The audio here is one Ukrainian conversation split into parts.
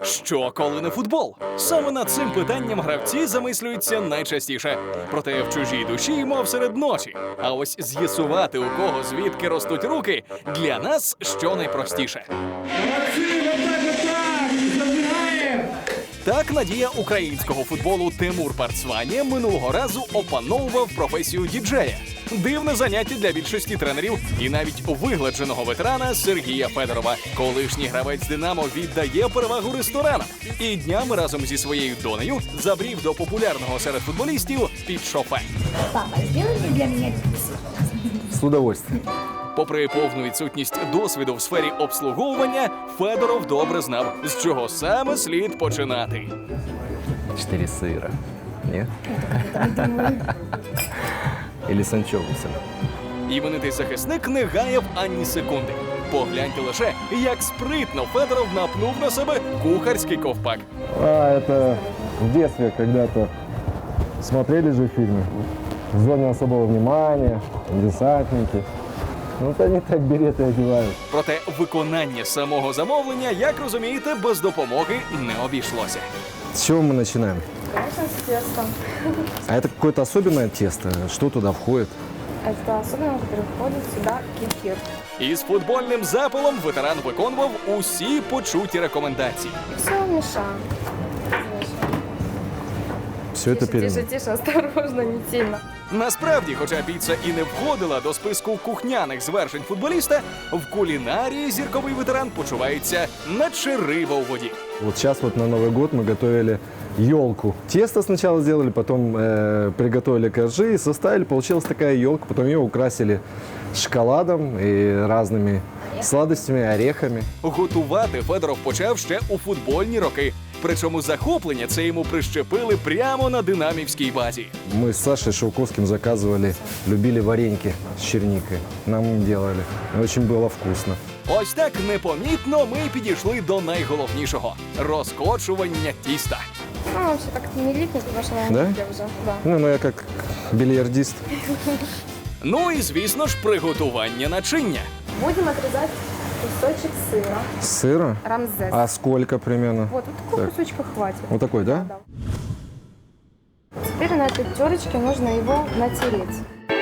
Що, коли не футбол? Саме над цим питанням гравці замислюються найчастіше. Проте в чужій душі, мов серед ночі. А ось з'ясувати, у кого звідки ростуть руки, для нас що найпростіше. Так надія українського футболу Тимур Парцванія минулого разу опановував професію діджея. Дивне заняття для більшості тренерів і навіть вигладженого ветерана Сергія Федорова. Колишній гравець «Динамо» віддає перевагу ресторанам. І днями разом зі своєю донею забрів до популярного серед футболістів під шофе. Папа, сделай для меня пиццу. С удовольствием. Попри повну відсутність досвіду в сфері обслуговування, Федоров добре знав, з чого саме слід починати. 4 сыра. Нет? Или с анчоусами. Іменитий захисник не гаяв ані секунди. Погляньте лише, як спритно Федоров напнув на себе кухарський ковпак. Это в детстве когда-то смотрели же фильмы «В зоне особого внимания», «Десантники». Вот они так береты одевают. Проте виконання самого замовлення, як розумієте, без допомоги не обійшлося. С чего мы начинаем? Конечно, с тестом. А это какое-то особенное тесто? Что туда входит? Это особенно, который входит сюда кефир. Із футбольним запалом ветеран виконував усі почуті рекомендації. Все мешаем. Все это Тише, тише, осторожно, не сильно. Насправді, хоча піца і не входила до списку кухняних звершень футболіста, в кулінарії зірковий ветеран почувається наче риба у воді. Вот сейчас вот на Новый год мы готовили елку. Тесто сначала сделали, потом приготовили коржи и составили. Получилась такая елка. Потом ее украсили шоколадом и разными сладостями, орехами. Готувати Федоров почав ще у футбольні роки. Причому захоплення це йому прищепили прямо на динамівській базі. Мы с Сашей Шелковским заказывали, любили вареньки с черникой. Нам делали. Очень было вкусно. Ось так непомітно ми підійшли до найголовнішого – розкочування тіста. Ну, вообще так не липнет, потому что Да? я уже. Да. Ну, я как бильярдист. Ну і, звісно ж, приготування начиння. Будем отрезать кусочек сыра. Сыра? Рамзес. А сколько примерно? Вот такого Так. кусочка хватит. Вот такой, да? Да. Теперь на этой терочке нужно его натереть.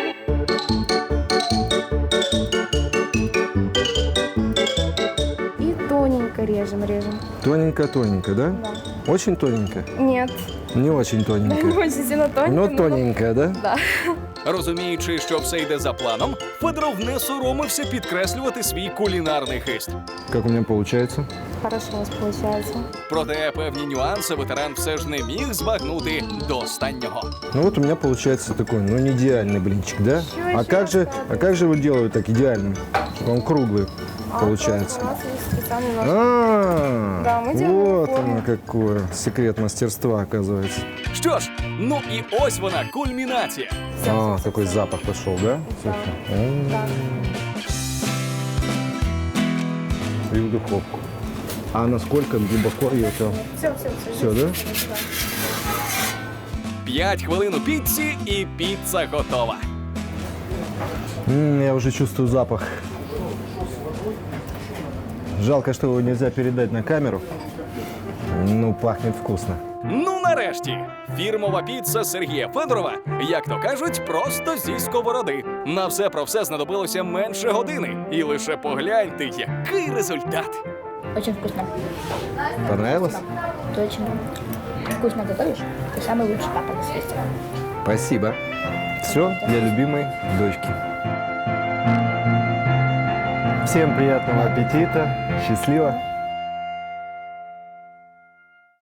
И тоненько режем. Тоненько-тоненько, да? Да. Очень тоненько? Нет, Не очень не тоненько. очень сильно тоненько. Но но- тоненько, да? Да. Розуміючи, що все йде за планом, Федоров не соромився підкреслювати свій кулінарний хист. Как у меня получается? Хорошо у вас получается. Проте певні нюанси ветеран все ж не міг збагнути до останнього. Ну вот у меня получается такой, ну не идеальный блинчик, да? Ещё А как же его делают так идеальным? Он круглый получается. У нас есть специальный нож. Да, мы делаем Вот форму. оно какое. Секрет мастерства, оказывается. Що ж, ну і ось вона, кульмінація. А, такой запах пошел, да? Да. Да. И в духовку. А насколько глубоко ее там? Все. Все, да? 5 хвилин у піці і піца готова. Я уже чувствую запах. Жалко, что его нельзя передать на камеру. Ну, пахнет вкусно. Ну нарешті, фірмова піца Сергія Федорова, як то кажуть, просто зі сковороди. На все про все знадобилося менше години. І лише погляньте, який результат. Очень вкусно. Понравилось? Ты очень вкусно готовишь. Ты самый лучший папа на свете. Спасибо. Все для любимой дочки. Всем приятного аппетита. Счастливо.